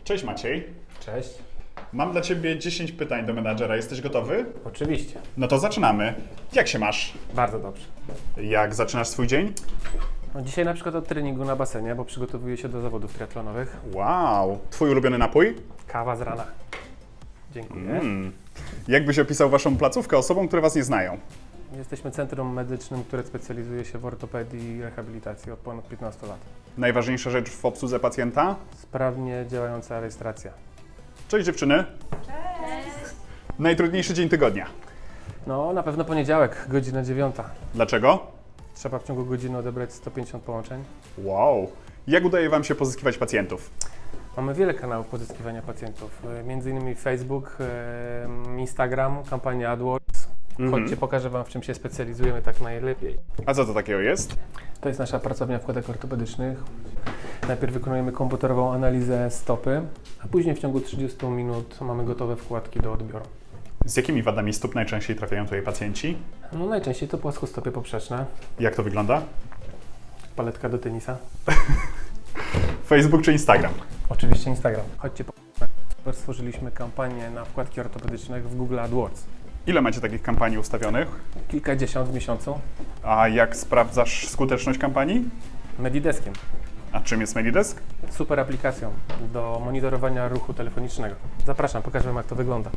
Cześć Maciej. Cześć. Mam dla Ciebie 10 pytań do menadżera. Jesteś gotowy? Oczywiście. No to zaczynamy. Jak się masz? Bardzo dobrze. Jak zaczynasz swój dzień? No, dzisiaj na przykład od treningu na basenie, bo przygotowuję się do zawodów triatlonowych. Wow. Twój ulubiony napój? Kawa z rana. Dziękuję. Jak byś opisał Waszą placówkę osobom, które Was nie znają? Jesteśmy centrum medycznym, które specjalizuje się w ortopedii i rehabilitacji od ponad 15 lat. Najważniejsza rzecz w obsłudze pacjenta? Sprawnie działająca rejestracja. Cześć dziewczyny. Cześć. Najtrudniejszy dzień tygodnia. No, na pewno poniedziałek, godzina 9. Dlaczego? Trzeba w ciągu godziny odebrać 150 połączeń. Wow. Jak udaje Wam się pozyskiwać pacjentów? Mamy wiele kanałów pozyskiwania pacjentów, między innymi Facebook, Instagram, kampania AdWords. Chodźcie, pokażę Wam, w czym się specjalizujemy tak najlepiej. A co to takiego jest? To jest nasza pracownia wkładek ortopedycznych. Najpierw wykonujemy komputerową analizę stopy, a później w ciągu 30 minut mamy gotowe wkładki do odbioru. Z jakimi wadami stóp najczęściej trafiają tutaj pacjenci? No, najczęściej to płaskostopie poprzeczne, Jak to wygląda? paletka do tenisa. Facebook czy Instagram? Oczywiście Instagram. Chodźcie, stworzyliśmy kampanię na wkładki ortopedyczne w Google AdWords. Ile macie takich kampanii ustawionych? Kilkadziesiąt w miesiącu. A jak sprawdzasz skuteczność kampanii? Medideskiem. A czym jest Medidesk? Super aplikacją do monitorowania ruchu telefonicznego. Zapraszam, pokażę Wam, jak to wygląda.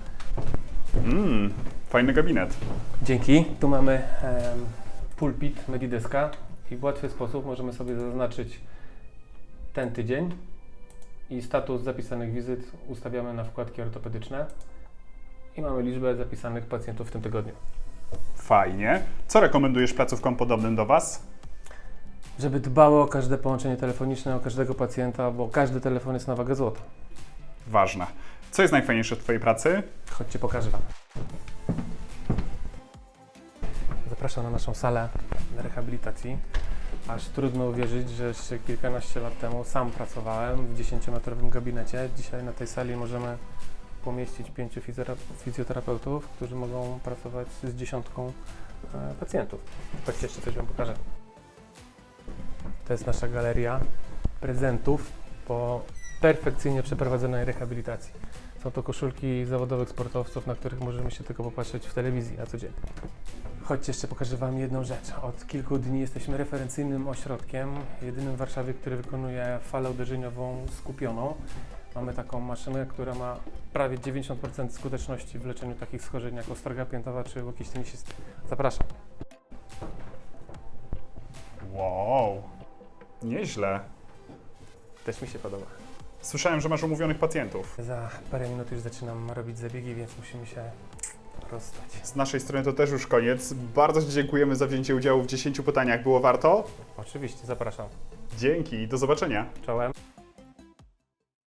Fajny gabinet. Dzięki. Tu mamy pulpit Medideska i w łatwy sposób możemy sobie zaznaczyć ten tydzień i status zapisanych wizyt ustawiamy na wkładki ortopedyczne i mamy liczbę zapisanych pacjentów w tym tygodniu. Fajnie. Co rekomendujesz placówkom podobnym do Was? Żeby dbało o każde połączenie telefoniczne, o każdego pacjenta, bo każdy telefon jest na wagę złota. Ważne. Co jest najfajniejsze w Twojej pracy? Chodźcie, pokażę Wam. Zapraszam na naszą salę rehabilitacji. Aż trudno uwierzyć, że jeszcze kilkanaście lat temu sam pracowałem w 10-metrowym gabinecie. Dzisiaj na tej sali możemy pomieścić 5 fizjoterapeutów, którzy mogą pracować z dziesiątką pacjentów. Chodźcie, jeszcze coś Wam pokażę. To jest nasza galeria prezentów po perfekcyjnie przeprowadzonej rehabilitacji. Są to koszulki zawodowych sportowców, na których możemy się tylko popatrzeć w telewizji na co dzień. Chodźcie, jeszcze pokażę Wam jedną rzecz. Od kilku dni jesteśmy referencyjnym ośrodkiem, jedynym w Warszawie, który wykonuje falę uderzeniową skupioną. Mamy taką maszynę, która ma prawie 90% skuteczności w leczeniu takich schorzeń jak ostroga piętowa czy łokieć tenisisty. Zapraszam. Wow. Nieźle. Też mi się podoba. Słyszałem, że masz umówionych pacjentów. Za parę minut już zaczynam robić zabiegi, więc musimy się rozstać. Z naszej strony to też już koniec. Bardzo Ci dziękujemy za wzięcie udziału w 10 pytaniach. Było warto? Oczywiście, zapraszam. Dzięki. Do zobaczenia. Czołem.